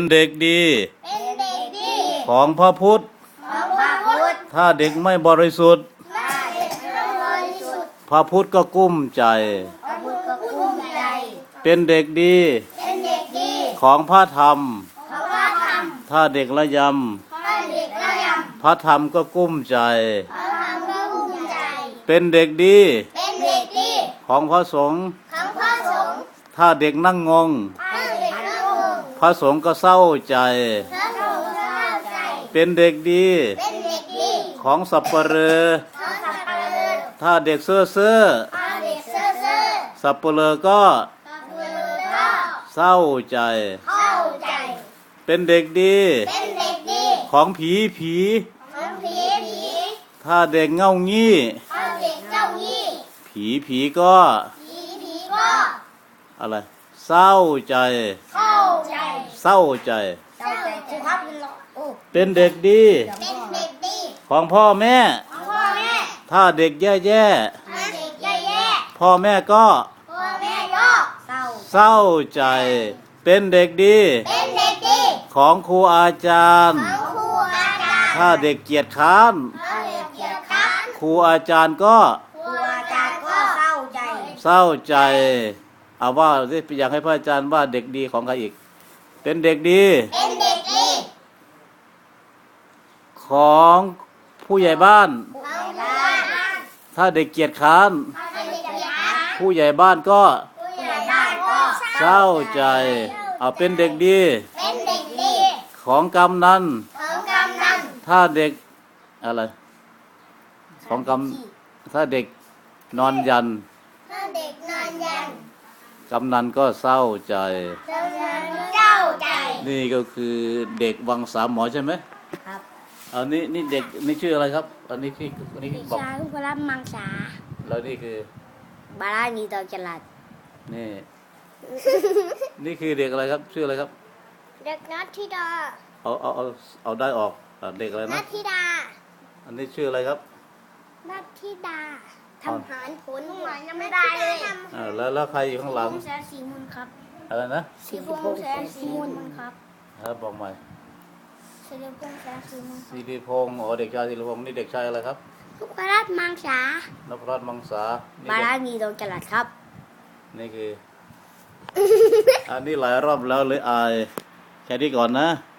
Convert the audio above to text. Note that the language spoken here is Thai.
เด็กดีเป็นเด็กดีของพระพุทธของพระพุทธถ้าเด็กไม่บริสุทธิ์ถ้าเด็กไม่บริสุทธิ์พระพุทธก็กุ้มใจพระพุทธก็กุ้มใจเป็นเด็กดีเป็นเด็กดีของพระธรรมของพระธรรมถ้าเด็กละยถ้าเด็กละยำำพระธรรมก็กุ้มใจพระธรรมก็กุ้มใจเป็นเด็กดีเป็นเด็กดีของพระสงฆ์ของพระสงฆ์ถ้าเด็กนั่งงงถ้าเด็กละงงพระสงฆ์ก็เศร้าใจพระสงฆ์ก็เศร้าใจเป็นเด็กดีเป็นเด็กดีของสัปเหร่อของสัปเหร่อถ้าเด็กเซ่อถ้าเด็กเซ่อสัปเหร่อก็สัปเหร่อก็เศร้าใจเข้าใจเป็นเด็กดีเป็นเด็กดีของผีของผีถ้าเด็กเง่างี้ถ้าเด็กเจ้ายี่ผีก็ผีก็อะไรเศร้าใจเข้าใจเศร้าใจเจ้าใจครูครับโอ้เป็นเด็กดีเป็นเด็กดีของพ่อแม่ของพ่อแม่ถ้าเด็กแย่ถ้าเด็กแย่ๆพ่อแม่ก็ๆพ่อแม่ก็เศร้าเศร้าใจ เป็นเด็กดีเป็นเด็กดีของครูอาจารย์ของครูอาจารย์ถ้าเด็กเกียจคร้านถ้าเด็กเกียจคร้านครูอาจารย์ก็ครูอาจารย์ก็เศร้าใจเศร้าใจเอาว่าสิอยากให้พระอาจารย์ว่าเด็กดีของใครอีก เป็นเด็กดีเป็นเด็กดีของผู้ใหญ่บ้านของบ้านถ้าเด็กเกียจคร้านถ้าเด็กเกียจคร้านผู้ใหญ่บ้านก็ผู้ใหญ่บ้านก็เศร้าใจเอาเป็นเด็กดีเป็นเด็กดีของกำนันของกำนันถ้าเด็กอะไรของถ้าเด็กนอนยันถ้าเด็กนอนยันกำนันก็เศร้าใจกำนันเจ้าใจนี่ก็คือเด็กวังสามหมอใช่ไหมครับอันนี้นี่เด็กนี่ชื่ออะไรครับ อันนี้ที่อันนี้วิบอกชาลูกรับมังสาแล้วนี่คือบารานีตอจลัดนี่ นี่คือเด็กอะไรครับชื่ออะไรครับเด็กนัทธิดาเอาได้ออกเด็กอะไรนันะทธิดาอันนี้ชื่ออะไรครับนัทธิดาอ๋อทำหารผลหวยยังไม่ได้เลยแล้วใครอยู่ข้างหลังแสนสีมูลครับอะไรนะสีพงษ์แสนสีมูลครับบอกใหม่สีพงษ์แสนสีมูลสิริพงศ์เด็กชายสิริพงศ์นี่เด็กชายอะไรครับลูกรับมังสานพรัตน์มังสานี่บาเด็กรานีตอจลัดครับนี่คือ อันนี้หลายรอบแล้วเลยอายแค่นี้ก่อนนะ